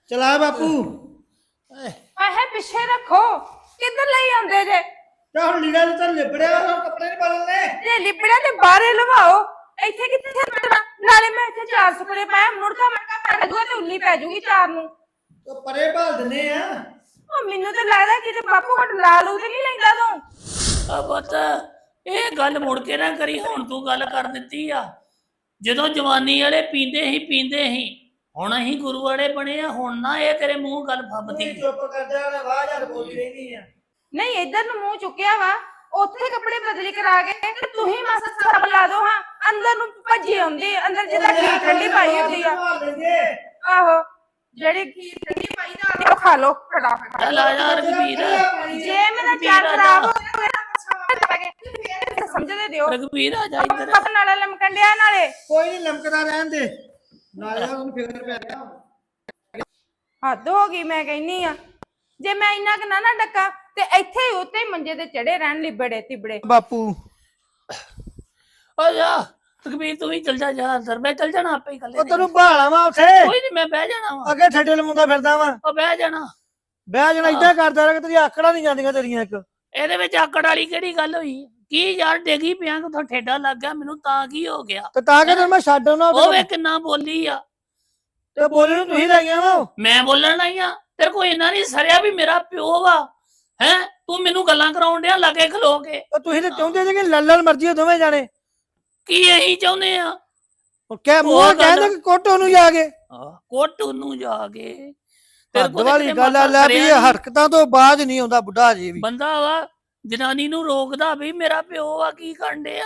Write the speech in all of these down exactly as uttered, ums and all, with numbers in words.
चला बापू ਆਹੇ ਪਿੱਛੇ ਰੱਖੋ ਕਿੱਧਰ ਲਈ ਆਉਂਦੇ ਜੇ क्या हुन लीड़ा तो लिबड़िया कपड़े नहीं बदलने ਜੇ ਲਿਬੜਿਆ ਤੇ ਬਾਹਰੇ ਲਵਾਓ ਇੱਥੇ ਕਿੱਥੇ ਰੱਖਣਾ ਨਾਲੇ ਮੈਂ ਇੱਥੇ ਚਾਰ ਸੁਪਰੇ ਪਾਇਆ ਮੁੜਕਾ ਮੜਕਾ ਪੈ ਜਾਊਗਾ ਤੇ ਉੱਲੀ ਪੈ ਜਾਊਗੀ ਚਾਰ ਨੂੰ तो परे भाल दने आ ਉਹ ਮੈਨੂੰ ਤਾਂ ਲੱਗਦਾ ਕਿ ਤੇ ਬਾਪੂ ਘਟ ਲਾ ਲੂ ਤੇ ਨਹੀਂ ਲੈਂਦਾ ਤੂੰ ਆ ਪੁੱਤ ਇਹ ਗੱਲ ਮੁੜ ਕੇ ਨਾ ਕਰੀ ਹੁਣ ਤੂੰ ਗੱਲ ਕਰ ਦਿੱਤੀ ਆ ਜਦੋਂ ਜਵਾਨੀ ਵਾਲੇ ਪੀਂਦੇ ਹੀ ਪੀਂਦੇ ਹੀ ਹੁਣ ਅਸੀਂ ਗੁਰੂ ਵਾਲੇ ਬਣੇ ਆ ਹੁਣ ਨਾ ਇਹ ਤੇਰੇ ਮੂੰਹ ਗੱਲ ਫੱਬਦੀ चुप कर जा ना वाह यार बोली रहनी है ਨਹੀਂ ਇੱਧਰ ਨੂੰ ਮੂੰਹ ਚੁੱਕਿਆ ਵਾ ਉੱਥੇ ਕੱਪੜੇ ਬਦਲੀ ਕਰਾ ਕੇ ਤੇ ਤੂੰ ਹੀ ਮਾਸਾ ਸਾਬ ਲਾ ਦੋ ਹਾਂ ਅੰਦਰ ਨੂੰ ਭੱਜੀ ਆਉਂਦੀ ਅੰਦਰ ਜਿੱਦਾਂ ਖੀਰ ਠੰਡੀ ਪਾਈ ਹੁੰਦੀ ਆ ਆਹੋ ਜਿਹੜੀ ਖੀਰ ਠੰਡੀ ਪਾਈ ਦਾ ਉਹ ਖਾ ਲੋ ਫਟਾਫਟ ਚੱਲ ਆ ਯਾਰ ਕਬੀਰ ਜੇ ਮੇਰਾ ਚਾਰ ਖਰਾਬ ਹੋ ਗਿਆ ਸਮਝਦੇ ਦਿਓ ਰਘਬੀਰ ਆ ਜਾ ਇੱਧਰ ਪਪਨ ਨਾਲੇ ਲਮਕਣ ਡਿਆ ਨਾਲੇ कोई नहीं लमकदा रहन दे नाले उन फिकर पे आ गया ਹੱਦ ਹੋ ਗਈ ਮੈਂ ਕਹਿੰਨੀ ਆ ਜੇ ਮੈਂ ਇੰਨਾ ਕਿ ਨਾ ਨਾ ਡੱਕਾ ਤੇ ਇੱਥੇ ਹੀ ਉੱਤੇ ਹੀ ਮੰਜੇ ਤੇ ਚੜੇ ਰਹਿਣ ਲਿਬੜੇ ਤਿਬੜੇ बापू ਆ ਜਾ ਰਘਬੀਰ ਤੂੰ ਵੀ ਚੱਲ ਜਾ ਜਾ ਅੰਦਰ ਮੈਂ ਚੱਲ ਜਾਣਾ ਆਪੇ ਹੀ ਕੱਲੇ ओ तेनु भाला वा उठे ਕੋਈ ਨਹੀਂ ਮੈਂ ਬਹਿ ਜਾਣਾ ਵਾ अगे ठेडे लमुंदा फिरदा वा ਉਹ ਬਹਿ ਜਾਣਾ बह जाना इदा करदा रह तेरी आकड़ा नहीं जांदियां तेरियां एक ਇਹਦੇ ਵਿੱਚ ਆਕੜ ਵਾਲੀ ਕਿਹੜੀ ਗੱਲ ਹੋਈ ਕੀ ਯਾਰ ਡੇਗੀ ਪਿਆ ਕਿ ਠੇਡਾ ਲੱਗ ਗਿਆ ਮੈਨੂੰ ਤਾਂ ਕੀ ਹੋ ਗਿਆ ਤੇ ਤਾਂ ਕਿ ਮੈਂ ਛੱਡ ਆਉਣਾ ਉਹ ਵੇ ਕਿੰਨਾ ਬੋਲੀ ਆ ਤੇ ਬੋਲੇ ਨੂੰ ਤੁਸੀਂ ਲਾਈਆਂ ਵਾ ਮੈਂ ਬੋਲਣ ਆਈ ਆ ਤੇਰੇ ਕੋਈ ਇੰਨਾ ਨਹੀਂ ਸਰਿਆ ਵੀ ਮੇਰਾ ਪਿਓ ਵਾ ਹੈ ਤੂੰ ਮੈਨੂੰ ਗੱਲਾਂ ਕਰਾਉਣ ਡਿਆ ਲਾਗੇ ਖਲੋ ਕੇ ਉਹ ਤੁਸੀਂ ਤੇ ਚਾਹੁੰਦੇ ਜੇ ਕਿ ਲੱਲਣ ਮਰਜੀ ਦੋਵੇਂ ਜਾਣੇ ਕੀ ਇਹੀ ਚਾਹੁੰਦੇ ਆ ਉਹ ਕਹਿ ਮੂੰਹ ਕਹਿੰਦੇ ਕਿ ਕੋਟੋ ਨੂੰ ਜਾ ਕੇ ਕੋਟ ਨੂੰ ਜਾ ਕੇ ਹੱਦ ਵਾਲੀ ਗੱਲ ਆ ਲੈ ਵੀ ਇਹ ਹਰਕਤਾਂ ਤੋਂ ਬਾਅਦ ਨਹੀਂ ਆਉਂਦਾ ਬੁੱਢਾ ਜੀ ਵੀ ਬੰਦਾ ਵਾ ਜਨਾਨੀ ਨੂੰ ਰੋਕਦਾ ਵੀ ਮੇਰਾ ਪਿਓ ਆ ਕੀ ਕਰਨ ਡਿਆ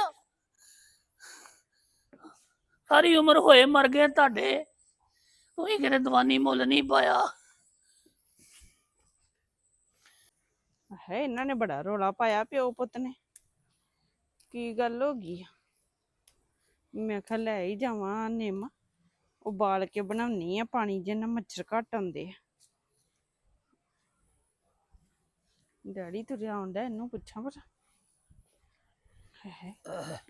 ਸਾਰੀ ਉਮਰ ਹੋਏ ਮਰ ਗਏ ਤੁਹਾਡੇ ਤੁਸੀਂ ਕਿਤੇ ਦਵਾਨੀ ਮੁੱਲ ਨਹੀਂ ਪਾਇਆ ਹੈ ਇਹਨਾਂ ਨੇ ਬੜਾ ਰੋਲਾ ਪਾਇਆ ਪਿਓ ਪੁੱਤ ਨੇ ਕੀ ਗੱਲ ਹੋ ਗਈ ਮੈਂ ਕਿਹਾ ਲੈ ਹੀ ਜਾਵਾਂ ਨਿੰਮ ਉਬਾਲ ਕੇ ਬਣਾਉਣੀ ਆ ਪਾਣੀ ਜਿੰਨਾ ਮੱਛਰ ਘੱਟ ਆਉਂਦੇ ਆ ਡੈਡੀ ਤੁਰਿਆ ਆਉਂਦਾ ਇਹਨੂੰ ਪੁੱਛਾਂ ਪਰ ਹੈ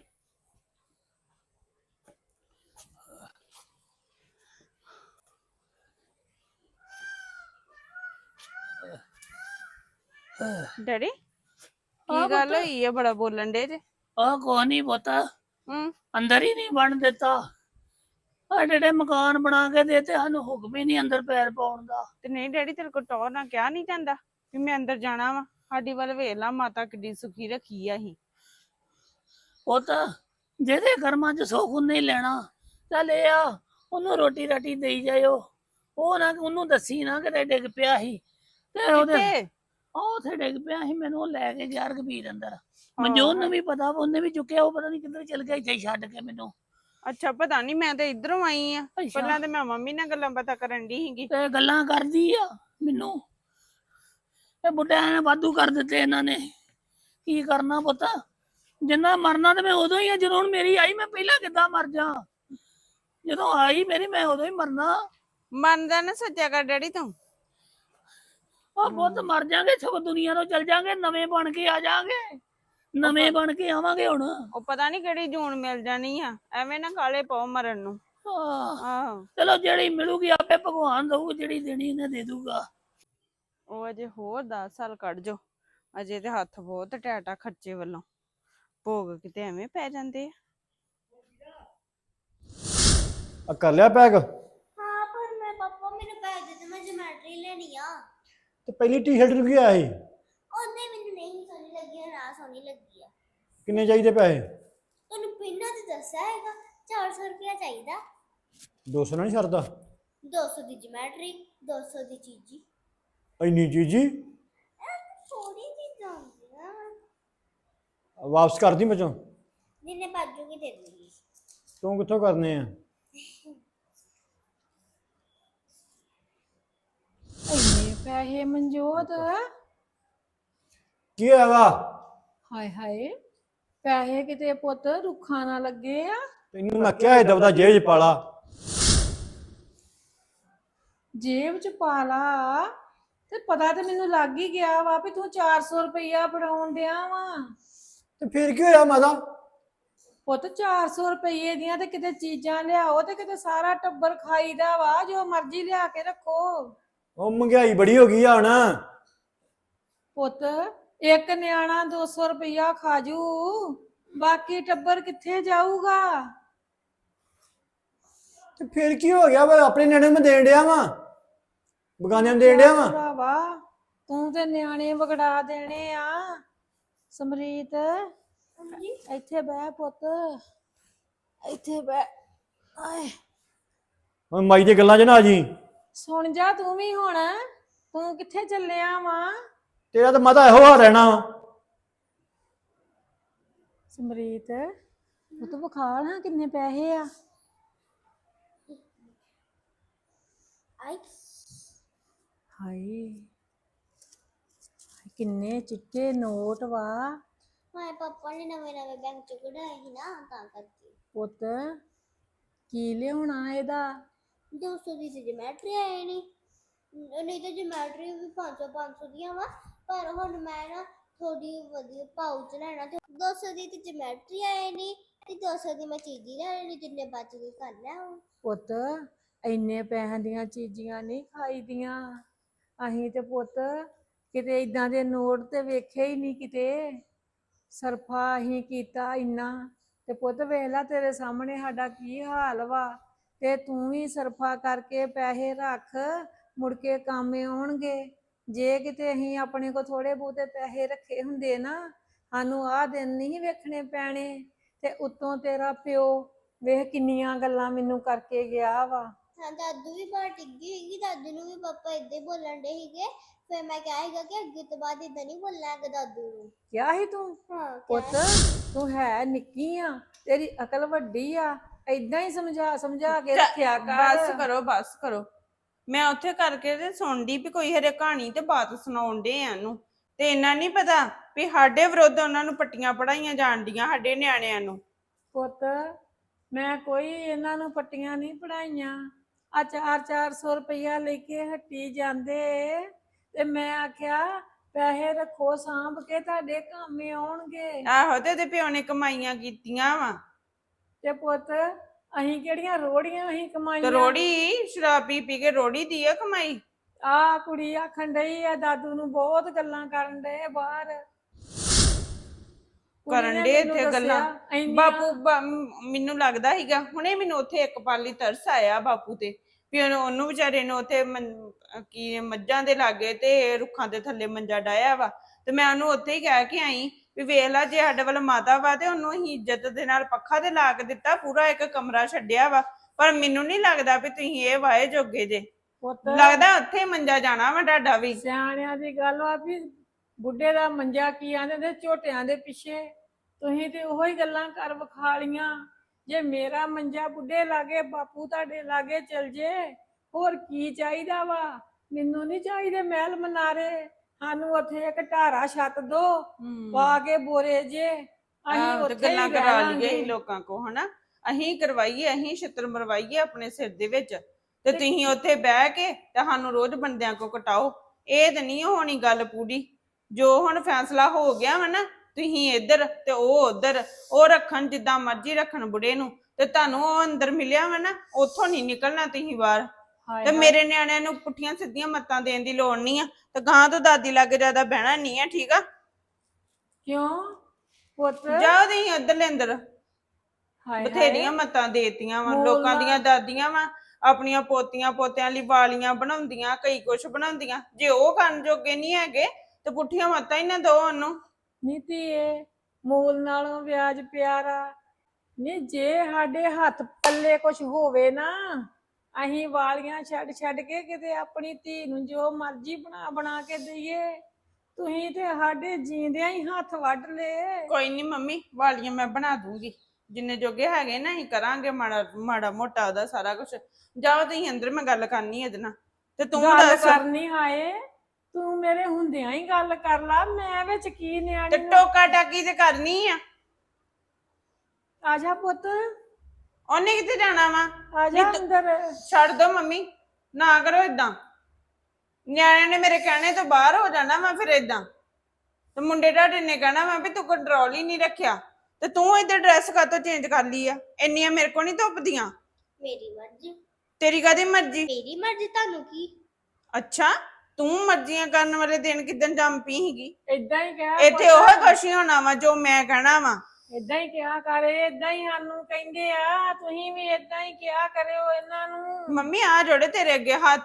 ਡੈਡੀ ਕੀ ਗੱਲ ਹੋਈ ਆ ਬੜਾ ਬੋਲਣ ਦੇ ਜੇ ਆ ਕੋ ਨਹੀਂ ਪਤਾ ਹੂੰ ਅੰਦਰ ਹੀ ਨਹੀਂ ਬਣ ਦਿੱਤਾ ਆ ਜਿਹੜੇ ਮਕਾਨ ਬਣਾ ਕੇ ਦੇਤੇ ਸਾਨੂੰ ਹੁਕਮ ਹੀ ਨਹੀਂ ਅੰਦਰ ਪੈਰ ਪਾਉਣ ਦਾ ਤੇ ਨਹੀਂ ਡੈਡੀ ਤੇਰੇ ਕੋਲ ਟੌਰ ਨਾ ਕਿਹਾ ਨਹੀਂ ਜਾਂਦਾ ਵੀ ਮੈਂ ਅੰਦਰ ਜਾਣਾ ਵਾ ਸਾਡੀ ਵੱਲ ਵੇਖ ਲਾ ਮਾਤਾ ਕਿੱਡੀ ਸੁਖੀ ਰੱਖੀ ਆ ਅਸੀਂ ਉਹ ਤਾਂ ਜਿਹਦੇ ਕਰਮਾਂ 'ਚ ਸੁੱਖ ਉਹਨੇ ਹੀ ਲੈਣਾ ਚੱਲ ਇਹ ਆ ਉਹਨੂੰ ਰੋਟੀ ਰਾਟੀ ਦੇਈ ਜਾਇਓ ਉਹ ਨਾ ਉਹਨੂੰ ਦੱਸੀ ਨਾ ਕਿਤੇ ਡਿੱਗ ਪਿਆ ਸੀ ਤੇ ਉਹਦੇ ਕਿੱਥੇ ਉਹ ਉੱਥੇ ਡਿੱਗ ਪਿਆ ਸੀ ਮੈਨੂੰ ਉਹ ਲੈ ਕੇ ਗਿਆ ਰਘਬੀਰ ਅੰਦਰ ਮਨਜੋਤ ਨੂੰ ਵੀ ਪਤਾ ਉਹਨੇ ਵੀ ਚੁੱਕਿਆ ਉਹ ਪਤਾ ਨਹੀਂ ਕਿੱਧਰ ਚਲ ਗਿਆ ਇੱਥੇ ਛੱਡ ਕੇ ਮੈਨੂੰ ਅੱਛਾ ਪਤਾ ਨਹੀਂ ਮੈਂ ਤੇ ਇਧਰੋਂ ਆਈ ਆ ਪਹਿਲਾਂ ਤੇ ਮੈਂ ਮੰਮੀ ਨਾਲ ਗੱਲਾਂ ਬਾਤਾਂ ਕਰਨ ਦੀ ਸੀਗੀ ਤੇ ਗੱਲਾਂ ਕਰਦੀ ਆ ਮੈਨੂੰ ਇਹ ਬੁੱਢਿਆਂ ਨੇ ਵਾਧੂ ਕਰ ਦਿੱਤੇ ਇਹਨਾਂ ਨੇ ਕੀ ਕਰਨਾ ਪੁੱਤ ਜਿੰਨਾ ਮਰਨਾ ਤੇ ਮੈਂ ਉਦੋਂ ਹੀ ਆ ਜਦੋਂ ਹੁਣ ਮੇਰੀ ਆਈ ਮੈਂ ਪਹਿਲਾਂ ਕਿੱਦਾਂ ਮਰ ਜਾ ਜਦੋਂ ਆਈ ਮੇਰੀ ਮੈਂ ਉਦੋਂ ਹੀ ਮਰਨਾ ਮੰਨਦਾ ਨਾ ਸੱਚਾ ਕਰ ਡੈਡੀ ਤੂੰ ਉਹ ਪੁੱਤ ਮਰ ਜਾਗੇ ਸਗੋਂ ਦੁਨੀਆ ਤੋਂ ਚਲ ਜਾਗੇ ਨਵੇਂ ਬਣ ਕੇ ਆ ਜਾਗੇ ਨਵੇਂ ਬਣ ਕੇ ਆਵਾਂਗੇ ਹੁਣ ਉਹ ਪਤਾ ਨਹੀਂ ਕਿਹੜੀ ਜੂਨ ਮਿਲ ਜਾਣੀ ਆ ਐਵੇਂ ਨਾ ਕਾਲੇ ਪਾਓ ਮਰਨ ਨੂੰ ਆਹੋ ਚਲੋ ਜਿਹੜੀ ਮਿਲੂਗੀ ਆਪੇ ਭਗਵਾਨ ਦਊ ਜਿਹੜੀ ਦੇਣੀ ਇਹਨੇ ਦੇ ਦੂਗਾ ਉਹ ਅਜੇ ਹੋਰ ਦਸ ਸਾਲ ਕੱਢ ਜੋ ਅਜੇ ਤੇ ਹੱਥ ਬਹੁਤ ਟੈਟਾ ਖਰਚੇ ਵੱਲੋਂ ਭੋਗ ਕਿਤੇ ਐਵੇਂ ਪੈ ਜਾਂਦੇ ਆ ਕਰ ਲਿਆ ਪੈਕ हाँ पर मैं पापा मेरे पैसे दे दो मैं ज्योमेट्री लेनी आ ਤੇ ਪਹਿਲੀ ਟੀ-ਸ਼ਰਟ ਨੂੰ ਕੀ ਆਇਆ ਸੀ ਉਹਨੇ ਮੈਨੂੰ ਨਹੀਂ ਸੋਹਣੀ ਲੱਗੀ ਨਾ ਸੋਹਣੀ ਲੱਗੀ ਆ ਕਿੰਨੇ ਚਾਹੀਦੇ ਪੈਸੇ ਤੁਹਾਨੂੰ ਪਹਿਲਾਂ ਤੇ ਦੱਸਿਆ ਹੈਗਾ ਚਾਰ ਸੌ ਰੁਪਇਆ ਚਾਹੀਦਾ ਦੋ ਸੌ ਨਾਲ ਨਹੀਂ ਸਰਦਾ ਦੋ ਸੌ ਦੀ ਜਿਓਮੈਟਰੀ ਦੋ ਸੌ ਦੀ ਚੀਜ਼ੀ ਇੰਨੀ ਚੀਜ਼ੀ ਸੋਹਣੀ ਚੀਜ਼ਾਂ ਹੁੰਦੀਆਂ ਵਾਪਸ ਕਰ ਦੀ ਮਚੋਂ ਜਿੰਨੇ ਬਾਜੂਗੀ ਦੇ ਦੂੰਗੀ ਤੂੰ ਕਿੱਥੋਂ ਕਰਨੇ ਆ ਇੰਨੇ ਪੈਸੇ ਮਨਜੋਤ ਕੀ ਹੋਇਆ ਵਾ ਹਾਏ ਹਾਏ ਪੈਸੇ ਕਿਤੇ ਪੁੱਤ ਰੁੱਖਾਂ ਨਾ ਲੱਗੇ ਆ ਤੈਨੂੰ ਮੈਂ ਕਿਹਾ ਏਦਾਂ ਦਾ ਜੇਬ 'ਚ ਪਾਲਾ ਜੇਬ ਚ ਪਾ ਲਾ ਤੇ ਪਤਾ ਤੇ ਮੈਨੂੰ ਲੱਗ ਹੀ ਗਿਆ ਵਾ ਵੀ ਤੂੰ ਚਾਰ ਸੌ ਰੁਪਈਆ ਫੜਾਉਣ ਡਿਆ ਵਾ ਤੇ ਫਿਰ ਕੀ ਹੋਇਆ ਮਾਤਾ ਪੁੱਤ ਚਾਰ ਸੌ ਰੁਪਏ ਦੀਆਂ ਤੇ ਕਿਤੇ ਚੀਜ਼ਾਂ ਲਿਆਓ ਤੇ ਕਿਤੇ ਸਾਰਾ ਟੱਬਰ ਖਾਈਦਾ ਵਾ, ਜੋ ਮਰਜ਼ੀ ਲਿਆ ਕੇ ਰੱਖੋ। ਉਹ ਮਹਿੰਗਾਈ ਬੜੀ ਹੋ ਗਈ ਆ ਹੁਣ। ਪੁੱਤ ਇੱਕ ਨਿਆਣਾ ਦੋ ਸੌ ਰੁਪਇਆ ਖਾਜੂ, ਬਾਕੀ ਟੱਬਰ ਕਿੱਥੇ ਜਾਊਗਾ? ਤੇ ਫਿਰ ਕੀ ਹੋ ਗਿਆ ਵਾ? ਆਪਣੇ ਨਿਆਣੇ ਨੂੰ ਮੈਂ ਦੇਣ ਡਿਆ ਵਾਂ, ਬਗਾਨਿਆਂ ਨੂੰ ਦੇਣ ਡਿਆ ਵਾਂ। ਭਰਾਵਾ ਤੂੰ ਤੇ ਨਿਆਣੇ ਵਿਗੜਾ ਦੇਣੇ ਆ। ਸਮਰੀਤ ਇੱਥੇ ਬਹਿ ਪੁੱਤ, ਇੱਥੇ ਬਹਿ। ਆਏ ਹੁਣ ਮਾਈ ਦੀਆਂ ਗੱਲਾਂ 'ਚ ਨਾ ਆ ਜੀ। ਸੁਣ ਜਾ ਤੂੰ ਵੀ ਹੁਣ, ਤੂੰ ਕਿੱਥੇ ਚੱਲਿਆ ਵਾ? ਤੇਰਾ ਤਾਂ ਮਾਤਾ ਇਹੋ ਹਾਲ ਰਹਿਣਾ ਵਾ। ਸਮਰੀਤ ਉਹ ਤੂੰ ਵਿਖਾ ਨਾ ਕਿੰਨੇ ਪੈਸੇ ਆ। ਆਈ ਹਾਏ ਕਿੰਨੇ ਚਿੱਟੇ ਨੋਟ ਵਾ। ਮਾਰੇ ਪਾਪਾ ਨੇ ਨਵੇਂ ਨਵੇਂ ਬੈਂਕ ਚੋਂ ਕਢਾਏ ਸੀ ਨਾ, ਤਾਂ ਕਰਕੇ। ਪੁੱਤ ਕੀ ਲਿਆਉਣਾ ਇਹਦਾ? ਦੋ ਸੌ ਦੀ ਤੇ ਜਮੈਟਰੀ ਆਏ ਨਹੀਂ, ਨਹੀਂ ਤਾਂ ਜਮੈਟਰੀ ਵੀ ਪੰਜ ਸੌ ਪੰਜ ਸੌ ਦੀਆਂ ਵਾ, ਪਰ ਹੁਣ ਮੈਂ ਨਾ ਥੋੜੀ ਵਧੀਆ ਪਾਉਚ ਲੈਣਾ ਤੇ ਦੋ ਸੌ ਦੀ ਤੇ ਜਮੈਟਰੀ ਆਏ ਨਹੀਂ, ਤੇ ਦੋ ਸੌ ਦੀ ਮੈਂ ਚੀਜ਼ੀ ਲੈ ਲੈਣੀ, ਜਿੰਨੇ ਬਚ ਗਏ ਕਰ ਲੈ ਹੁਣ। ਪੁੱਤ ਇੰਨੇ ਪੈਸਿਆਂ ਦੀਆਂ ਚੀਜ਼ੀਆਂ ਨਹੀਂ ਖਾਈਦੀਆਂ। ਅਸੀਂ ਤੇ ਪੁੱਤ ਕਿਤੇ ਇਦਾਂ ਦੇ ਨੋਟ ਤੇ ਵੇਖੇ ਹੀ ਨਹੀਂ ਕਿਤੇ। ਸਰਫਾ ਅਸੀਂ ਕੀਤਾ ਇੰਨਾ, ਤੇ ਪੁੱਤ ਵੇਖ ਲੈ ਤੇਰੇ ਸਾਹਮਣੇ ਸਾਡਾ ਕੀ ਹਾਲ ਵਾ। ਤੇ ਤੂੰ ਵੀ ਸਰਫਾ ਕਰਕੇ ਪੈਸੇ ਰੱਖ, ਮੁੜ ਕੇ ਕੰਮ ਆਉਣਗੇ। ਜੇ ਕਿਤੇ ਅਸੀਂ ਆਪਣੇ ਕੋ ਥੋੜੇ ਬਹੁਤੇ ਪੈਸੇ ਰੱਖੇ ਹੁੰਦੇ ਨਾ, ਸਾਨੂੰ ਆਹ ਦਿਨ ਨਹੀਂ ਵੇਖਣੇ ਪੈਣੇ। ਤੇ ਉੱਤੋਂ ਤੇਰਾ ਪਿਓ ਵੇਖ ਕਿੰਨੀਆਂ ਗੱਲਾਂ ਮੈਨੂੰ ਕਰਕੇ ਗਿਆ ਵਾ। ਹਾਂ ਦਾਦੂ ਵੀ ਬਾਹਰ ਟਿੱਗੀ ਸੀਗੀ, ਦਾਦੂ ਨੂੰ ਵੀ ਪਾਪਾ ਏਦਾਂ ਹੀ ਬੋਲਣ ਡੇ ਸੀਗੇ। ਫਿਰ ਮੈਂ ਕਿਹਾ ਸੀਗਾ ਕਿ ਅੱਗੇ ਤੋਂ ਬਾਅਦ ਏਦਾਂ ਨਹੀਂ ਬੋਲਣਾ ਹੈਗਾ ਦਾਦੂ ਨੂੰ। ਕਿਹਾ ਸੀ ਤੂੰ? ਹਾਂ ਪੁੱਤ ਤੂੰ ਹੈ ਨਿੱਕੀ ਆ, ਤੇਰੀ ਅਕਲ ਵੱਡੀ ਆ, ਏਦਾਂ ਹੀ ਸਮਝਾ ਸਮਝਾ ਕੇ ਰੱਖਿਆ ਕਰ। ਬਸ ਕਰੋ ਬਸ ਕਰੋ। ਮੈਂ ਉੱਥੇ ਕਰਕੇ ਤੇ ਸੁਣਦੀ ਵੀ ਕੋਈ ਹਰੇ ਕਹਾਣੀ ਤੇ ਬਾਤ ਸੁਣਾਉਣ ਡੇ ਆ ਇਹਨੂੰ, ਤੇ ਇਹਨਾਂ ਨਹੀਂ ਪਤਾ ਵੀ ਸਾਡੇ ਵਿਰੁੱਧ ਉਹਨਾਂ ਨੂੰ ਪੱਟੀਆਂ ਪੜਾਈਆਂ ਜਾਣ ਡੀਆਂ ਸਾਡੇ ਨਿਆਣਿਆਂ ਨੂੰ। ਪੁੱਤ ਮੈਂ ਕੋਈ ਇਹਨਾਂ ਨੂੰ ਪੱਟੀਆਂ ਨਹੀਂ ਪੜਾਈਆਂ। ਆ ਚਾਰ ਚਾਰ ਸੌ ਰੁਪਇਆ ਲੈ ਕੇ ਹੱਟੀ ਜਾਂਦੇ, ਤੇ ਮੈਂ ਆਖਿਆ ਪੈਸੇ ਰੱਖੋ ਸਾਂਭ ਕੇ, ਤੁਹਾਡੇ ਕੰਮ ਆਉਣਗੇ। ਆਹੋ ਤੇ ਉਹਦੇ ਪਿਓ ਨੇ ਕਮਾਈਆਂ ਕੀਤੀਆਂ ਵਾ। ਤੇ ਪੁੱਤ ਅਸੀਂ ਕਿਹੜੀਆਂ ਰੋੜੀਆਂ ਅਸੀਂ ਤੇ ਕਮਾਈਆਂ? ਰੋੜੀ ਸ਼ਰਾਬ ਪੀ ਪੀ ਕੇ ਰੋੜੀ ਦੀ ਆ ਕਮਾਈ। ਆ ਕੁੜੀ ਆਖਣ ਡਈ ਆ ਦਾਦੂ ਨੂੰ ਬਹੁਤ ਗੱਲਾਂ ਕਰਨ ਡਏ ਬਾਹਰ। ਕਰਨ ਡੇ ਇੱਥੇ ਗੱਲਾਂ। ਬਾਪੂ ਮੈਨੂੰ ਲੱਗਦਾ ਸੀਗਾ ਹੁਣੇ ਮੈਨੂੰ ਉੱਥੇ ਇੱਕ ਪਾਲੀ ਤਰਸ ਆਇਆ ਬਾਪੂ ਤੇ, ਵੀ ਉਹਨੂੰ ਵਿਚਾਰੇ ਨੂੰ ਉੱਥੇ ਕੀ ਮੱਝਾਂ ਦੇ ਲਾਗੇ ਤੇ ਰੁੱਖਾਂ ਦੇ ਥੱਲੇ ਮੰਜਾ ਡਾਇਆ ਵਾ। ਤੇ ਮੈਂ ਉਹਨੂੰ ਉੱਥੇ ਹੀ ਕਹਿ ਕੇ ਆਈ ਵੀ ਵੇਖ ਲਾ ਜੇ ਸਾਡੇ ਵੱਲ ਮਾਤਾ ਵਾ ਤੇ ਉਹਨੂੰ ਅਸੀਂ ਇੱਜ਼ਤ ਦੇ ਨਾਲ ਪੱਖਾ ਤੇ ਲਾ ਕੇ ਦਿੱਤਾ, ਪੂਰਾ ਇੱਕ ਕਮਰਾ ਛੱਡਿਆ ਵਾ। ਪਰ ਮੈਨੂੰ ਨਹੀਂ ਲੱਗਦਾ ਵੀ ਤੁਸੀਂ ਇਹ ਵਾਏ ਜੋਗੇ ਜੇ, ਲੱਗਦਾ ਉੱਥੇ ਮੰਜਾ ਜਾਣਾ ਵਾ ਤੁਹਾਡਾ ਵੀ। ਸਿਆਣਿਆਂ ਦੀ ਗੱਲ ਵਾ ਵੀ ਬੁੱਢੇ ਦਾ ਮੰਜਾ ਕੀ ਆਂਦੇ ਤੇ ਝੋਟਿਆਂ ਦੇ ਪਿੱਛੇ। ਤੁਸੀਂ ਤੇ ਉਹੋ ਹੀ ਗੱਲਾਂ ਕਰ ਵਿਖਾ ਲੀਆਂ। ਜੇ ਮੇਰਾ ਮੰਜਾ ਬੁੱਢੇ ਲਾਗੇ, ਬਾਪੂ ਤੁਹਾਡੇ ਲਾਗੇ ਚਲ ਜੇ, ਹੋਰ ਕੀ ਚਾਹੀਦਾ ਵਾ? ਮੈਨੂੰ ਨਹੀਂ ਚਾਹੀਦੇ ਮਹਿਲ ਮਨਾਰੇ, ਸਾਨੂੰ ਉੱਥੇ ਇੱਕ ਢਾਰਾ ਛੱਤ ਦੋ ਪਾ ਕੇ ਬੋਰੇ ਜੇ, ਅਸੀਂ ਉੱਥੇ ਗੱਲਾਂ ਹੀ ਕਰਾ ਰਹਿ ਲਈਏ ਲਾਂਗੇ। ਲੋਕਾਂ ਕੋ ਹਨਾ, ਅਸੀਂ ਕਰਵਾਈਏ, ਅਸੀਂ ਛਿੱਤਰ ਮਰਵਾਈਏ ਆਪਣੇ ਸਿਰ ਦੇ ਵਿੱਚ, ਤੇ ਤੁਸੀਂ ਉੱਥੇ ਬਹਿ ਕੇ ਤੇ ਸਾਨੂੰ ਰੋਜ਼ ਬੰਦਿਆਂ ਕੋ ਕਟਾਓ। ਇਹ ਤੇ ਨਹੀਂ ਹੋਣੀ ਗੱਲ ਪੂਰੀ। ਜੋ ਹੁਣ ਫੈਸਲਾ ਹੋ ਗਿਆ ਵਾ ਨਾ, ਤੁਸੀਂ ਇੱਧਰ ਤੇ ਉਹ ਉੱਧਰ, ਉਹ ਰੱਖਣ ਜਿੱਦਾਂ ਮਰਜ਼ੀ ਰੱਖਣ ਬੁੜੇ ਨੂੰ, ਤੇ ਤੁਹਾਨੂੰ ਉਹ ਅੰਦਰ ਮਿਲਿਆ ਵਾ ਨਾ, ਉੱਥੋਂ ਨਹੀਂ ਨਿਕਲਣਾ ਤੁਸੀਂ ਬਾਹਰ। ਤੇ ਮੇਰੇ ਨਿਆਣਿਆਂ ਨੂੰ ਪੁੱਠੀਆਂ ਸਿੱਧੀਆਂ ਮੱਤਾਂ ਦੇਣ ਦੀ ਲੋੜ ਨਹੀਂ ਆ, ਤੇ ਗਾਂ ਤੋਂ ਦਾਦੀ ਲਾਗੇ ਜ਼ਿਆਦਾ ਬਹਿਣਾ ਨਹੀਂ ਆ, ਠੀਕ ਆ? ਕਿਉਂ ਪੁੱਤ? ਜਾਓ ਤੁਸੀਂ ਉੱਧਰਲੇ ਅੰਦਰ। ਬਥੇਰੀਆਂ ਮੱਤਾਂ ਦੇਤੀਆਂ ਵਾ ਲੋਕਾਂ ਦੀਆਂ ਦਾਦੀਆਂ ਵਾ, ਆਪਣੀਆਂ ਪੋਤੀਆਂ ਪੋਤਿਆਂ ਲਈ ਵਾਲੀਆਂ ਬਣਾਉਂਦੀਆਂ, ਕਈ ਕੁਛ ਬਣਾਉਂਦੀਆਂ। ਜੇ ਉਹ ਕਰਨ ਜੋਗੇ ਨਹੀਂ ਹੈਗੇ ਤੇ ਪੁੱਠੀਆਂ ਮੱਤਾਂ ਹੀ ਨਾ ਦੋ ਉਹਨੂੰ। ਨੀਤੀ ਏ ਮੂਲ ਨਾਲੋਂ ਵਿਆਜ ਪਿਆਰਾ। ਨਹੀਂ ਜੇ ਸਾਡੇ ਹੱਥ ਪੱਲੇ ਕੁਛ ਹੋਵੇ ਨਾ, ਅਸੀਂ ਵਾਲੀਆਂ ਛੱਡ ਛੱਡ ਕੇ ਕਿਤੇ ਆਪਣੀ ਧੀ ਨੂੰ ਜੋ ਮਰਜ਼ੀ ਬਣਾ ਬਣਾ ਕੇ ਦਈਏ। ਤੁਸੀਂ ਤੇ ਸਾਡੇ ਜੀਂਦਿਆਂ ਹੀ ਹੱਥ ਵੱਢ ਲਏ। ਕੋਈ ਨਹੀਂ ਮੰਮੀ, ਵਾਲੀਆਂ ਮੈਂ ਬਣਾ ਦੂੰਗੀ, ਜਿੰਨੇ ਜੋਗੇ ਹੈਗੇ ਨਾ ਅਸੀਂ ਕਰਾਂਗੇ ਮਾੜਾ ਮਾੜਾ ਮੋਟਾ ਉਹਦਾ ਸਾਰਾ ਕੁਛ। ਜਾਓ ਤੁਸੀਂ ਅੰਦਰ, ਮੈਂ ਗੱਲ ਕਰਨੀ ਇਹਦੇ ਨਾਲ। ਤੇ ਤੂੰ ਦੱਸ ਕਰਨੀ ਹਾਏ, ਤੂੰ ਮੇਰੇ ਹੁੰਦਿਆਂ ਹੀ ਗੱਲ ਕਰ ਲਾ, ਮੈਂ ਵਿੱਚ ਕੀ ਨਿਆਣੀ। ਤੇ ਟੋਕਾ ਟਾਕੀ ਤੇ ਕਰਨੀ ਆ। ਆ ਜਾ ਪੁੱਤ, ਉਹਨੇ ਕਿੱਥੇ ਜਾਣਾ ਵਾ? ਆ ਜਾ ਅੰਦਰ। ਛੱਡ ਦੋ ਮੰਮੀ, ਨਾ ਕਰੋ ਏਦਾਂ। ਨਿਆਣਿਆਂ ਨੇ ਮੇਰੇ ਕਹਿਣੇ ਤੋਂ ਬਾਹਰ ਹੋ ਜਾਣਾ ਵਾ ਫਿਰ ਏਦਾਂ, ਤੇ ਮੁੰਡੇ ਤੁਹਾਡੇ ਨੇ ਕਹਿਣਾ ਵਾ ਵੀ ਤੂੰ ਕੰਟਰੋਲ ਹੀ ਨਹੀਂ ਰੱਖਿਆ। ਤੇ ਤੂੰ ਇੱਧਰ ਡਰੈਸ ਕਾਤੋਂ ਚੇਂਜ ਕਰ ਲਈ ਆ? ਇੰਨੀਆਂ ਮੇਰੇ ਕੋ ਨਹੀਂ ਧੁੱਪਦੀਆਂ। ਮੇਰੀ ਮਰਜ਼ੀ। ਤੇਰੀ ਕਾਦੀ ਮਰਜ਼ੀ? ਮੇਰੀ ਮਰਜ਼ੀ, ਤੁਹਾਨੂੰ ਕੀ? ਅੱਛਾ, ਤੂੰ ਮਰਜ਼ੀਆਂ ਕਰਨ ਵਾਲੇ ਦਿਨ ਕਿਦਨ ਜੰਮ ਪਈ ਸੀਗੀ? ਏਦਾਂ ਹੀ ਕਿਹਾ ਇੱਥੇ ਉਹ ਕੁਛ ਹੀ ਹੋਣਾ ਵਾ ਜੋ ਮੈਂ ਕਹਿਣਾ ਵਾ। ਏਦਾਂ ਹੀ ਕਿਹਾ ਕਰੇ, ਏਦਾਂ ਹੀ ਸਾਨੂੰ ਕਹਿੰਦੇ ਆ, ਤੁਸੀਂ ਵੀ ਏਦਾਂ ਹੀ ਕਿਹਾ ਕਰਿਓ ਇਹਨਾਂ ਨੂੰ। ਮੰਮੀ ਆ ਜੋੜੇ ਤੇਰੇ ਅੱਗੇ ਹੱਥ,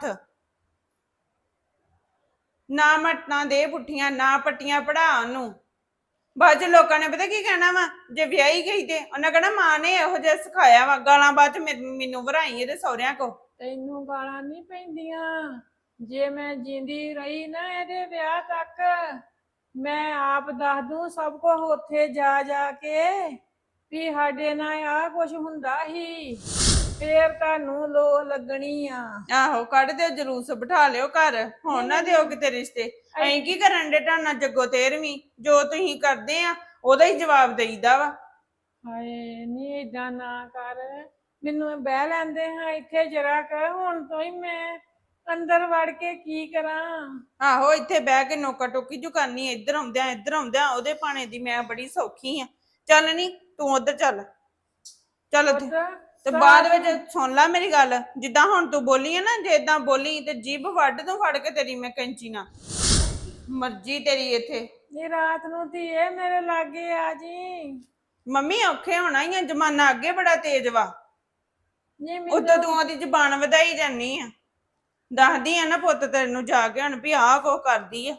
ਨਾ ਮਟਨਾ ਦੇ ਪੁੱਠੀਆਂ, ਨਾ ਪੱਟੀਆਂ ਪੜਾ ਉਹਨੂੰ। ਬਾਅਦ ਚ ਲੋਕਾਂ ਨੇ ਪਤਾ ਕੀ ਕਹਿਣਾ ਵਾ, ਜੇ ਵਿਆਹੀ ਗਈ ਤੇ ਉਹਨਾਂ ਕਹਿਣਾ ਮਾਂ ਨੇ ਇਹੋ ਜਿਹਾ ਸਿਖਾਇਆ ਵਾ। ਗਾਲਾਂ ਬਾਅਦ ਚ ਮੈਨ- ਮੈਨੂੰ ਭਰਾਈ ਇਹਦੇ ਸਹੁਰਿਆਂ ਕੋ। ਤੈਨੂੰ ਗਾਲਾਂ ਨਹੀਂ ਪੈਂਦੀਆਂ। ਜੇ ਮੈਂ ਜਿੰਦੀ ਰਹੀ ਨਾ ਇਹਦੇ ਵਿਆਹ ਤੱਕ, ਮੈਂ ਆਪ ਦੱਸ ਦੂੰ ਸਭ ਕੁਝ ਉੱਥੇ ਜਾ ਜਾ ਕੇ ਵੀ ਸਾਡੇ ਨਾਲ ਆਹ ਕੁਝ ਹੁੰਦਾ ਹੀ, ਫੇਰ ਤੁਹਾਨੂੰ ਲੋ ਲੱਗਣੀ ਆ। ਆਹੋ, ਕੱਢ ਦਿਓ ਜਲੂਸ, ਬਿਠਾ ਲਿਓ ਘਰ, ਹੁਣ ਨਾ ਦਿਓ ਕਿਤੇ ਰਿਸ਼ਤੇ। ਅਸੀਂ ਕੀ ਕਰਨ ਦੇ ਢਾਣਾ ਜੱਗੋ ਤੇਰਵੀਂ? ਜੋ ਤੁਸੀਂ ਕਰਦੇ ਆ ਉਹਦਾ ਹੀ ਜਵਾਬ ਦੇਈਦਾ ਵਾ। ਹਾਏ ਨਹੀਂ ਏਦਾਂ ਨਾ ਕਰ, ਮੈਨੂੰ ਬਹਿ ਲੈਂਦੇ ਹਾਂ ਇੱਥੇ ਜਰਾ ਕਰ, ਹੁਣ ਤੋਂ ਹੀ ਮੈਂ ਅੰਦਰ ਵੜ ਕੇ ਕੀ ਕਰਾਂ? ਆਹੋ, ਇੱਥੇ ਬਹਿ ਕੇ ਨੋਕਾ ਟੋਕੀ ਜੂ ਕਰਨੀ, ਇੱਧਰ ਆਉਂਦਿਆਂ ਇੱਧਰ ਆਉਂਦਿਆਂ ਉਹਦੇ ਪਾਣੇ ਦੀ ਮੈਂ ਬੜੀ ਸੌਖੀ ਆ। ਚੱਲ ਨੀ ਤੂੰ ਉੱਧਰ ਚੱਲ, ਚੱਲ ਉੱਥੇ। ਤੇ ਬਾਅਦ ਵਿੱਚ ਸੁਣ ਲੈ ਮੇਰੀ ਗੱਲ, ਜਿੱਦਾਂ ਹੁਣ ਤੂੰ ਬੋਲੀ ਆ ਨਾ, ਜੇ ਏਦਾਂ ਬੋਲੀ ਤੇ ਜੀਭ ਵੱਢ ਦੂੰ ਫੜ ਕੇ ਤੇਰੀ ਮੈਂ ਕੈਂਚੀ ਨਾਲ। ਮਰਜ਼ੀ ਤੇਰੀ ਇੱਥੇ। ਨੀ ਰਾਤ ਨੂੰ ਧੀਏ ਮੇਰੇ ਲਾਗੇ ਆ ਜੀ। ਮੰਮੀ ਔਖੇ ਹੋਣਾ ਹੀ ਆ, ਜ਼ਮਾਨਾ ਅੱਗੇ ਬੜਾ ਤੇਜ਼ ਵਾ। ਨੀ ਉਦੋਂ ਤੂੰ ਉਹਦੀ ਜ਼ਬਾਨ ਵਧਾਈ ਜਾਨੀ ਆ। ਦੱਸਦੀ ਆ ਨਾ ਪੁੱਤ ਤੈਨੂੰ ਜਾ ਕੇ ਹੁਣ ਵੀ ਆਹ ਕੋ ਕਰਦੀ ਆ।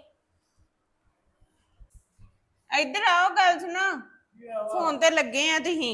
ਇੱਧਰ ਆਓ, ਗੱਲ ਸੁਣੋ, ਫੋਨ ਤੇ ਲੱਗੇ ਆ ਤੁਸੀਂ।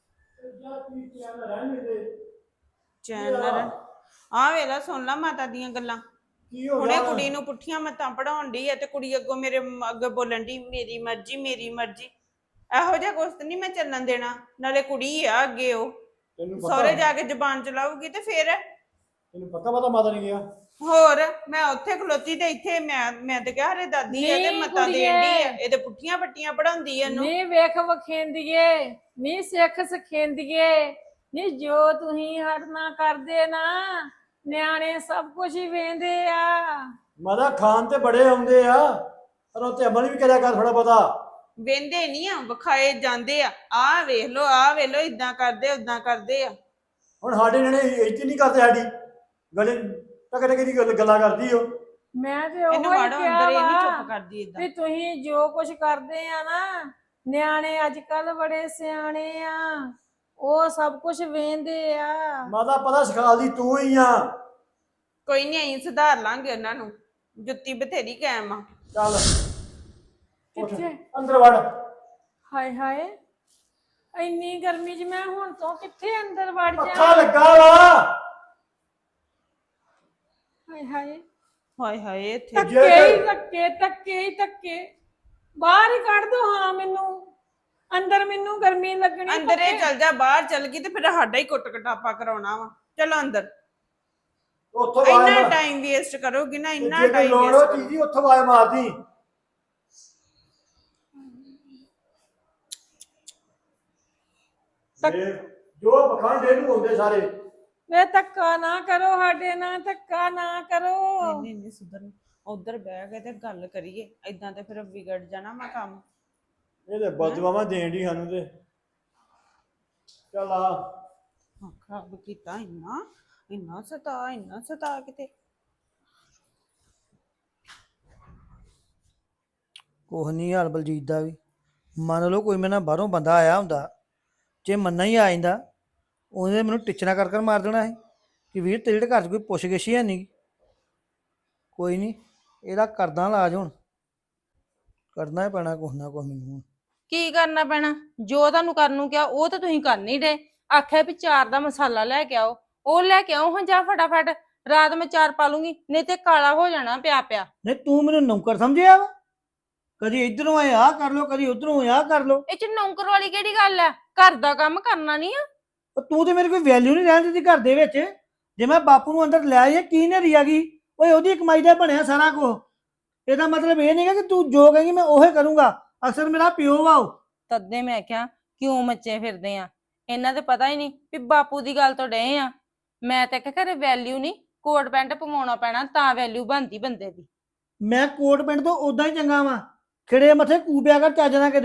ਚੈਨਲ ਆ ਵੇਲਾ ਸੁਣ ਲਾ ਮਾਤਾ ਦੀਆਂ ਗੱਲਾਂ। ਕੀ ਹੋ ਹੁਣੇ ਗਿਆ? ਕੁੜੀ ਨੂੰ ਪੁੱਠੀਆਂ ਮੱਤਾਂ ਪੜਾਉਣ ਡਈ ਆ ਤੇ ਕੁੜੀ ਅੱਗੋਂ ਮੇਰੇ ਅੱਗੇ ਬੋਲਣ ਡਈ ਮੇਰੀ ਮਰਜ਼ੀ ਮੇਰੀ ਮਰਜ਼ੀ। ਇਹੋ ਜਿਹਾ ਕੁਛ ਨਹੀਂ ਮੈਂ ਚੱਲਣ ਦੇਣਾ। ਨਾਲੇ ਕੁੜੀ ਆ ਅੱਗੇ, ਉਹ ਤੈਨੂੰ ਪਤਾ ਸਹੁਰੇ ਜਾ ਕੇ ਜ਼ਬਾਨ ਚਲਾਊਗੀ ਤੇ ਫੇਰ ਤੈਨੂੰ ਪੱਕਾ ਪਤਾ ਮਾਤਾ ਨੇ ਗਿਆ? ਹੋਰ ਮੈਂ ਉੱਥੇ ਖਲੋਤੀ ਤੇ ਇੱਥੇ ਮੈਂ ਮੈਂ ਤੇ ਕਿਹਾ ਹਰੇ ਦਾਦੀ ਇਹਦੇ ਨੀ ਮੱਤਾਂ ਕੁੜੀਏ। ਦੇਣ ਡਈ ਆ, ਇਹਦੇ ਪੁੱਠੀਆਂ ਪੱਟੀਆਂ ਪੜਾਉਂਦੀ ਆ ਇਹਨੂੰ। ਨੀ ਵੇਖ ਵਖੇਂਦੀਏ, ਨੀ ਸਿੱਖ ਸਖੇਂਦੀਏ, ਨੀ ਜੋ ਤੁਸੀਂ ਹਟਣਾ ਕਰਦੇ ਨਾ, ਨਿਆਣੇ ਸਭ ਕੁਝ ਹੀ ਵੇਂਦੇ ਆ। ਮਾਤਾ ਖਾਨ ਤੇ ਬੜੇ ਆਉਂਦੇ ਆ, ਪਰ ਉਹ ਤੇ ਅਮਲ ਵੀ ਕਰਿਆ ਕਰ ਥੋੜਾ ਪਤਾ। ਵੇਂਦੇ ਨਹੀਂ ਆ, ਵਿਖਾਏ ਜਾਂਦੇ ਆ। ਆਹ ਵੇਖ ਲੋ, ਆਹ ਵੇਖ ਲੋ, ਇਦਾਂ ਕਰਦੇ ਉਦਾਂ ਕਰਦੇ ਆ। ਹੁਣ ਸਾਡੇ ਨਿਆਣੇ ਇੱਜ਼ਤ ਨਹੀਂ ਕਰਦੇ ਸਾਡੀ, ਗਲੇ ਟਕ ਟਕ ਦੀ ਗੱਲ ਗੱਲਾਂ ਕਰਦੀ ਉਹ। ਮੈਂ ਤੇ ਉਹ ਇਹਨੂੰ ਹੀ ਵਾੜੋ ਕਿਹਾ ਅੰਦਰ, ਇਹ ਨਹੀਂ ਵਾ ਚੁੱਪ ਕਰਦੀ ਇਦਾਂ। ਵੀ ਤੁਸੀਂ ਜੋ ਕੁਝ ਕਰਦੇ ਆ ਨਾ, ਨਿਆਣੇ ਅੱਜ ਕੱਲ ਬੜੇ ਸਿਆਣੇ ਆ, ਉਹ ਸਭ ਕੁਝ ਵੇਂਦੇ ਆ। ਮਾਤਾ ਪਤਾ ਸਿਖਾਲਦੀ ਤੂੰ ਹੀ ਆ। ਕੋਈ ਨਹੀਂ, ਅਸੀਂ ਸੁਧਾਰ ਲਾਂਗੇ ਉਹਨਾਂ ਨੂੰ, ਜੁੱਤੀ ਬਥੇਰੀ ਕਾਇਮ ਆ। ਚੱਲ ਉੱਠ, ਕਿੱਥੇ? ਅੰਦਰ ਵੜ। ਹਾਏ ਹਾਏ, ਇੰਨੀ ਗਰਮੀ 'ਚ ਮੈਂ ਹੁਣ ਤੋਂ ਕਿੱਥੇ ਅੰਦਰ ਵੜ ਜਾ? ਪੱਖਾ ਲੱਗਾ ਵਾ। ਹਾਏ ਹਾਏ, ਹਾਏ ਹਾਏ, ਇੱਥੇ ਧੱਕੇ ਹੀ ਧੱਕੇ, ਧੱਕੇ ਹੀ ਧੱਕੇ, ਬਾਹਰ ਹੀ ਕੱਢ ਦੋ ਹਾਂ ਮੈਨੂੰ, ਅੰਦਰ ਮੈਨੂੰ ਗਰਮੀ ਲੱਗਣੀ। ਅੰਦਰ ਇਹ ਚੱਲ ਜਾ, ਬਾਹਰ ਚੱਲ ਗਈ ਤੇ ਫਿਰ ਸਾਡਾ ਹੀ ਕੁੱਟ ਕਟਾਪਾ ਕਰਾਉਣਾ ਵਾ। ਚਲੋ ਅੰਦਰ। ਉੱਥੋਂ ਇੰਨਾ ਆਵਾਜ਼ ਟਾਈਮ ਵੇਸਟ ਕਰੋਗੀ ਨਾ, ਇੰਨਾ ਜੇ ਕੋਈ ਟਾਈਮ ਲੋੜ ਹੋ ਵੇਸਟ। ਚੀਜ਼ੀ ਉੱਥੋਂ ਆਵਾਜ਼ ਮਾਰਦੀ। ਜੋ ਪਖੰਡ ਇਹਨੂੰ ਹੁੰਦੇ ਸਾਰੇ। ਵੇ ਧੱਕਾ ਨਾ ਕਰੋ ਸਾਡੇ ਨਾਲ, ਧੱਕਾ ਨਾ ਕਰੋ। ਨਹੀਂ ਨਹੀਂ ਸੁਧਰ, ਉਧਰ ਬਹਿ ਕੇ ਤੇ ਗੱਲ ਕਰੀਏ। ਏਦਾਂ ਤੇ ਫਿਰ ਵਿਗੜ ਜਾਣਾ ਵਾ ਕੰਮ। ਇਹ ਤੇ ਬਦਦੁਆਵਾਂ ਦੇਣ ਦੀ ਸਾਨੂੰ ਤੇ। ਚੱਲ ਆ। ਖਰਾਬ ਕੀਤਾ ਇੰਨਾ, ਇੰਨਾ ਸਤਾ, ਇੰਨਾ ਸਤਾ ਕਿਤੇ। ਕੁਛ ਨਹੀਂ ਹਾਲ ਬਲਜੀਤ ਦਾ ਵੀ। ਮੰਨ ਲਓ ਕੋਈ ਮੇਰੇ ਨਾਲ ਬਾਹਰੋਂ ਬੰਦਾ ਆਇਆ ਹੁੰਦਾ, ਜੇ ਮੰਨਾ ਹੀ ਆ ਜਾਂਦਾ, ਉਹਨੇ ਮੈਨੂੰ ਟਿਚਣਾ ਕਰ ਕਰ ਮਾਰ ਦੇਣਾ ਸੀ ਕਿ ਵੀਰ ਤੇਰੇ ਜਿਹੜੇ ਘਰ 'ਚ ਕੋਈ ਪੁੱਛ ਗਿੱਛ ਹੀ ਹੈ ਨਹੀਂ। ਕੋਈ ਨਹੀਂ, ਇਹਦਾ ਕਰਦਾ ਇਲਾਜ, ਹੁਣ ਕਰਨਾ ਹੀ ਪੈਣਾ ਕੁਛ ਨਾ ਕੁਛ ਮੈਨੂੰ ਹੁਣ। ਕੀ ਕਰਨਾ ਪੈਣਾ? ਜੋ ਤੁਹਾਨੂੰ ਕਰਨ ਨੂੰ ਕਿਹਾ ਉਹ ਤਾਂ ਤੁਸੀਂ ਕਰ ਨਹੀਂ ਡੇ। ਆਖਿਆ ਵੀ ਚਾਰ ਦਾ ਮਸਾਲਾ ਲੈ ਕੇ ਆਓ, ਉਹ ਲੈ ਕੇ ਆਓ ਹਾਂ ਜਾ ਫਟਾਫਟ। ਰਾਤ ਮੈਂ ਚਾਰ ਪਾ ਲੂੰਗੀ, ਨਹੀਂ ਤੇ ਕਾਲਾ ਹੋ ਜਾਣਾ ਪਿਆ ਪਿਆ। ਨਹੀਂ ਤੂੰ ਮੈਨੂੰ ਨੌਕਰ ਸਮਝਿਆ ਵਾ? ਕਦੀ ਇਧਰੋਂ ਆਏ ਆਹ ਕਰ ਲੋ, ਕਦੀ ਉਧਰੋਂ ਆਹ ਕਰ ਲੋ। ਇਹ ਚ ਨੌਕਰ ਵਾਲੀ ਕਿਹੜੀ ਗੱਲ ਆ? ਘਰ ਦਾ ਕੰਮ ਕਰਨਾ ਨਹੀਂ ਆ? ਉਹ ਤੂੰ ਤੇ ਮੇਰੀ ਕੋਈ ਵੈਲਿਊ ਨਹੀਂ ਰਹਿਣ ਦਿੱਤੀ ਘਰ ਦੇ ਵਿੱਚ। ਜੇ ਮੈਂ ਬਾਪੂ ਨੂੰ ਅੰਦਰ ਲੈ ਆਇਆ, ਕੀ ਨੇਰੀ ਆ ਗਈ? ਓਏ ਉਹਦੀ ਕਮਾਈ ਦਾ ਬਣਿਆ ਸਾਰਾ ਕੁਝ। ਇਹਦਾ ਮਤਲਬ ਇਹ ਨਹੀਂਗਾ ਕਿ ਤੂੰ ਜੋ ਕਹੇਂਗੀ ਮੈਂ ਉਹੀ ਕਰੂੰਗਾ। ਅਕਸਰ ਮੇਰਾ ਪਿਓ ਵਾ ਉਹ। ਤਦੇ ਮੈਂ ਕਿਹਾ ਕਿਉਂ ਮੱਚੇ ਫਿਰਦੇ ਆ? ਇਹਨਾਂ ਤੇ ਪਤਾ ਹੀ ਨਹੀਂ ਵੀ ਬਾਪੂ ਦੀ ਗੱਲ ਤੋਂ ਡਏ ਆ। ਮੈਂ ਤਾਂ ਕਿਹਾ ਘਰੇ ਵੈਲਿਊ ਨਹੀਂ, ਕੋਟ ਪੈਂਟ ਪਵਾਉਣਾ ਪੈਣਾ ਤਾਂ ਵੈਲਿਊ ਬਣਦੀ ਬੰਦੇ ਦੀ। ਮੈਂ ਕੋਟ ਪਿੰਡ ਤੋਂ ਉਦਾਂ ਹੀ ਚੰਗਾ ਵਾਂ। ਖਿੜੇ ਮੱਥੇ ਕੂਪਿਆ ਕਰ ਚੱਜ ਨਾ ਕਿਤੇ।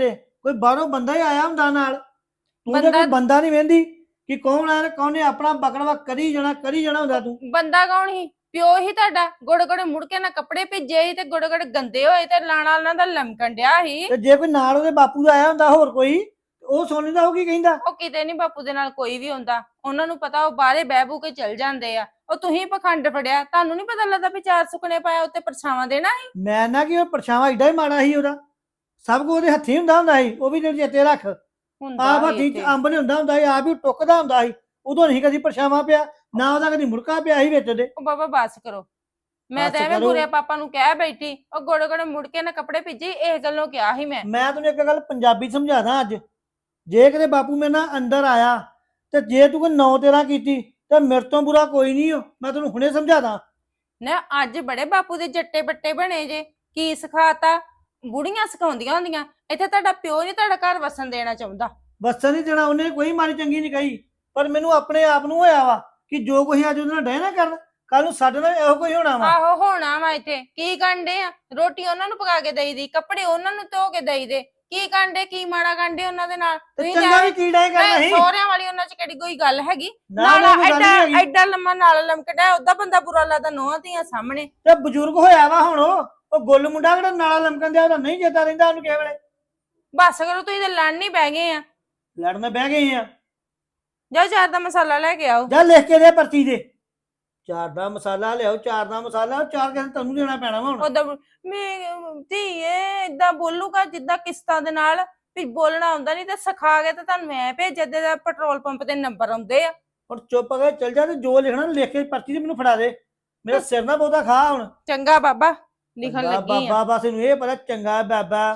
ਕੋਈ ਬਾਹਰੋਂ ਬੰਦਾ ਹੀ ਆਇਆ ਹੁੰਦਾ ਨਾਲ, ਤੂੰ ਤੇ ਬੰਦਾ- ਕੋਈ ਬੰਦਾ ਨਹੀਂ ਵੇਂਦੀ ਕਿ ਕੌਣ ਆਇਆ ਤੇ ਕੌਣ ਨੇ ਆਪਣਾ ਬਕੜਵਾ ਕਰੀ ਜਾਣਾ ਕਰੀ ਜਾਣਾ ਹੁੰਦਾ ਤੂੰ। ਬੰਦਾ ਕੌਣ ਸੀ? ਪਿਓ ਹੀ ਤੁਹਾਡਾ। ਗੋੜੇ ਗੋੜੇ ਮੁੜ ਕੇ ਨਾ ਕੱਪੜੇ ਭੇਜੇ ਸੀ ਤੇ ਗੋੜੇ ਗੋੜੇ ਗੰਦੇ ਹੋਏ ਤੇ ਲਾਣਾ ਉਹਨਾਂ ਦਾ ਲਮਕਣ ਡਿਆ ਸੀ। ਤੇ ਜੇ ਕੋਈ ਨਾਲ ਉਹਦੇ ਬਾਪੂ ਦਾ ਆਇਆ ਹੁੰਦਾ ਹੋਰ ਕੋਈ, ਉਹ ਸੁਣ ਲੈਂਦਾ ਉਹ ਕੀ ਕਹਿੰਦਾ। ਉਹ ਕਿਤੇ ਨਹੀਂ ਬਾਪੂ ਦੇ ਨਾਲ ਕੋਈ ਵੀ ਹੁੰਦਾ, ਉਹਨਾਂ ਨੂੰ ਪਤਾ ਉਹ ਬਾਹਰੇ ਬਹਿ ਬੂ ਕੇ ਚਲ ਜਾਂਦੇ ਆ। ਉਹ ਤੁਸੀਂ ਪਖੰਡ ਫੜਿਆ, ਤੁਹਾਨੂੰ ਨਹੀਂ ਪਤਾ ਲੱਗਦਾ ਵੀ ਚਾਰ ਸੁਕਨੇ ਪਾਇਆ ਉੱਤੇ ਪਰਛਾਵਾਂ ਦੇਣਾ ਸੀ। ਮੈਂ ਨਾ ਕਿ ਉਹ ਪਰਛਾਵਾਂ ਏਡਾ ਹੀ ਮਾੜਾ ਸੀ ਉਹਦਾ, ਸਭ ਕੁਝ ਉਹਦੇ ਹੱਥੀ ਹੁੰਦਾ ਹੁੰਦਾ ਸੀ, ਉਹ ਵੀ ਤੈਨੂੰ ਚੇਤੇ ਰੱਖ। ਹੁੰਦਾ ਆਪ ਸੀ ਹੱਥੀ ਚ ਇੱਥੇ। ਅੰਬ ਨਹੀਂ ਹੁੰਦਾ ਹੁੰਦਾ ਸੀ, ਆਪ ਹੀ ਟੁੱਕਦਾ ਹੁੰਦਾ ਸੀ, ਉਦੋਂ ਨਹੀਂ ਕਦੀ ਪਰਛਾਵਾਂ ਪਿਆ, ਨਾ ਉਹਦਾ ਕਦੀ ਮੁੜਕਾ ਪਿਆ ਸੀ ਵਿੱਚ ਉਹਦੇ। ਉਹ ਬਾਬਾ ਬਸ ਕਰੋ, ਮੈਂ ਬਸ ਤਾਂ ਐਵੇਂ ਕਰੋ। ਬੁਰੇ ਪਾਪਾ ਨੂੰ ਕਹਿ ਬੈਠੀ, ਉਹ ਗੋੜੇ ਗੋੜੇ ਮੁੜ ਕੇ ਨਾ ਕੱਪੜੇ ਭੇਜੇ, ਇਹ ਗੱਲੋਂ ਕਿਹਾ ਸੀ ਮੈਂ। ਮੈਂ ਤੈਨੂੰ ਇੱਕ ਗੱਲ ਪੰਜਾਬੀ ਸਮਝਾਦਾ ਅੱਜ, ਜੇ ਕਿਤੇ ਬਾਪੂ ਮੇਰੇ ਨਾਲ ਅੰਦਰ ਆਇਆ ਤੇ ਜੇ ਤੂੰ ਕੋਈ ਨੌ ਤੇਰਾ ਕੀਤੀ ਤੇ ਮੇਰੇ ਤੋਂ ਬੁਰਾ ਕੋਈ ਨਹੀਂ ਹੋ, ਮੈਂ ਤੈਨੂੰ ਹੁਣੇ ਸਮਝਾਦਾ। ਨਾ ਅੱਜ ਬੜੇ ਬਾਪੂ ਦੇ ਜੱਟੇ ਬੱਟੇ ਬਣੇ ਜੇ, ਕੀ ਸਿਖਾਤਾ? ਬੁੜੀਆਂ ਸਿਖਾਉਂਦੀਆਂ ਹੁੰਦੀਆਂ। ਇੱਥੇ ਤੁਹਾਡਾ ਪਿਓ ਨਹੀਂ ਤੁਹਾਡਾ ਘਰ ਵਸਣ ਦੇਣਾ ਚਾਹੁੰਦਾ। ਵਸਣ ਨਹੀਂ ਦੇਣਾ, ਉਹਨੇ ਕੋਈ ਮਾੜੀ ਚੰਗੀ ਨਹੀਂ ਕਹੀ, ਪਰ ਮੈਨੂੰ ਆਪਣੇ ਆਪ ਨੂੰ ਹੋਇਆ ਵਾ ਕਿ ਜੋ ਕੁਝ ਅੱਜ ਉਹਦੇ ਨਾਲ ਡੈ ਨਾ ਕਰਨ, ਕੱਲ ਨੂੰ ਸਾਡੇ ਨਾਲ ਇਹੋ ਕੋਈ ਹੋਣਾ ਵਾ। ਆਹੋ ਹੋਣਾ ਵਾ। ਇੱਥੇ ਕੀ ਕਾਂਡੇ ਆ? ਰੋਟੀ ਉਹਨਾਂ ਨੂੰ ਪਕਾ ਕੇ ਦੇਈਦੀ, ਕੱਪੜੇ ਉਹਨਾਂ ਨੂੰ ਧੋ ਕੇ ਦੇਈਦੇ। ਕੀ ਕਾਂਡੇ, ਕੀ ਮਾੜਾ ਕਾਂਡੇ ਉਹਨਾਂ ਦੇ ਨਾਲ? ਤੇ ਤੁਸੀਂ ਚੰਗਾ ਵੀ ਤਾਂ ਕੀੜਾ ਹੀ ਕਰਨਾ ਸੀ, ਸਹੁਰਿਆਂ ਵਾਲੀ ਉਹਨਾਂ ਚ ਕਿਹੜੀ ਕੋਈ ਗੱਲ ਹੈਗੀ? ਨਾਲ ਨਾਲਾ ਕੋਈ ਗੱਲ ਐਡਾ ਨਹੀਂ ਹੈਗੀ। ਐਡਾ ਲੰਮਾ ਨਾਲ ਲਮਕਦਾ, ਉਹਦਾ ਬੰਦਾ ਬੁਰਾ ਲੱਗਦਾ ਨੋਹਾਂ ਧੀਆਂ ਸਾਹਮਣੇ। ਤੇ ਬਜ਼ੁਰਗ ਹੋਇਆ ਵਾ ਹੁਣ, ਉਹ ਉਹ ਗੁੱਲ ਮੁੰਡਾ ਕਿਹੜਾ ਨਾਲਾ ਲਮਕਣ ਦਿਆ, ਉਹਦਾ ਨਹੀਂ ਚੇਤਾ ਰਹਿੰਦਾ ਉਹਨੂੰ ਕਿਸੇ ਵੇਲੇ। ਬਸ ਕਰੋ, ਤੁਸੀਂ ਤੇ ਲੜਨ ਨਹੀਂ ਬਹਿ ਗਏ ਆ। ਲੜਨ ਬਹਿ ਗਏ ਆ। ਜਾਓ ਚਾਰ ਦਾ ਮਸਾਲਾ ਲੈ ਕੇ ਆਓ। ਜਾ ਲਿਖ ਕੇ ਦੇ ਪਰਚੀ ਦੇ, ਚਾਰ ਦਾ ਮਸਾਲਾ ਲਿਆਓ, ਚਾਰ ਦਾ ਮਸਾਲਾ, ਚਾਰ ਕਿਸੇ ਤੁਹਾਨੂੰ ਦੇਣਾ ਪੈਣਾ ਵਾ ਹੁਣ। ਉਹਦਾ ਮੈਂ ਧੀਏ ਏਦਾਂ ਬੋਲੂਗਾ ਜਿੱਦਾਂ ਕਿਸ਼ਤਾਂ ਦੇ ਨਾਲ ਵੀ ਬੋਲਣਾ ਆਉਂਦਾ ਨਹੀਂ ਤੇ ਸਿਖਾ ਕੇ ਤੇ ਤੁਹਾਨੂੰ ਐ ਭੇਜੇ ਦੇ ਪੈਟਰੋਲ ਪੰਪ ਤੇ ਨੰਬਰ ਆਉਂਦੇ ਆ। ਹੁਣ ਚੁੱਪ ਕਰਕੇ ਚੱਲ ਜਾ ਤੇ ਜੋ ਲਿਖਣਾ ਲਿਖ ਕੇ ਪਰਚੀ ਤੇ ਮੈਨੂੰ ਫੜਾ ਦੇ, ਮੇਰਾ ਸਿਰ ਨਾ ਬਹੁਤਾ ਖਾ ਹੁਣ। ਚੰਗਾ ਬਾਬਾ, ਲਿਖਣ ਚੰਗਾ ਲੱਗੀ ਆ। ਬਾਬਾ ਬਸ ਇਹਨੂੰ ਇਹ ਪਤਾ ਚੰਗਾ ਬਾਬਾ,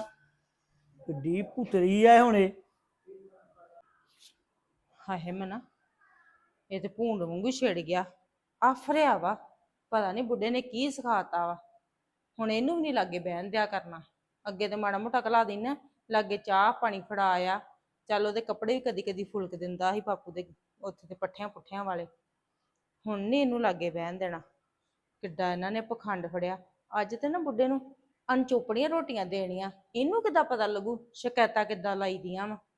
ਕਿੱਡੀ ਪੁੱਤਰੀ ਆ ਹੁਣੇ। ਹਾਏ ਮਨਾ, ਇਹ ਤੇ ਭੂੰਡ ਵਾਂਗੂ ਛਿੜ ਗਿਆ, ਆਫਰਿਆ ਵਾ। ਪਤਾ ਨਹੀਂ ਬੁੱਢੇ ਨੇ ਕੀ ਸਿਖਾਤਾ ਵਾ। ਹੁਣ ਇਹਨੂੰ ਵੀ ਨਹੀਂ ਲਾਗੇ ਬਹਿਣ ਦਿਆ ਕਰਨਾ। ਅੱਗੇ ਤੇ ਮਾੜਾ ਮੋਟਾ ਘਲਾ ਦੇਣਾ, ਲਾਗੇ ਚਾਹ ਪਾਣੀ ਫੜਾ ਆ। ਚੱਲ ਉਹਦੇ ਕੱਪੜੇ ਵੀ ਕਦੀ ਕਦੀ ਫੁਲਕ ਦਿੰਦਾ ਸੀ ਬਾਪੂ ਦੇ ਉੱਥੇ ਤੇ ਪੱਠਿਆਂ ਪੁੱਠਿਆਂ ਵਾਲੇ। ਹੁਣ ਨਹੀਂ ਇਹਨੂੰ ਲਾਗੇ ਬਹਿਣ ਦੇਣਾ। ਕਿੱਡਾ ਇਹਨਾਂ ਨੇ ਪਖੰਡ ਫੜਿਆ। ਅੱਜ ਤੇ ਨਾ ਬੁੱਢੇ ਨੂੰ ਅਣਚੋਪੜੀਆਂ ਰੋਟੀਆਂ ਦੇਣੀਆਂ, ਇਹਨੂੰ ਕਿੱਦਾਂ ਪਤਾ ਲੱਗੂ ਸ਼ਿਕਾਇਤਾਂ ਕਿੱਦਾਂ ਲਾਈ ਦੀਆਂ ਵਾ।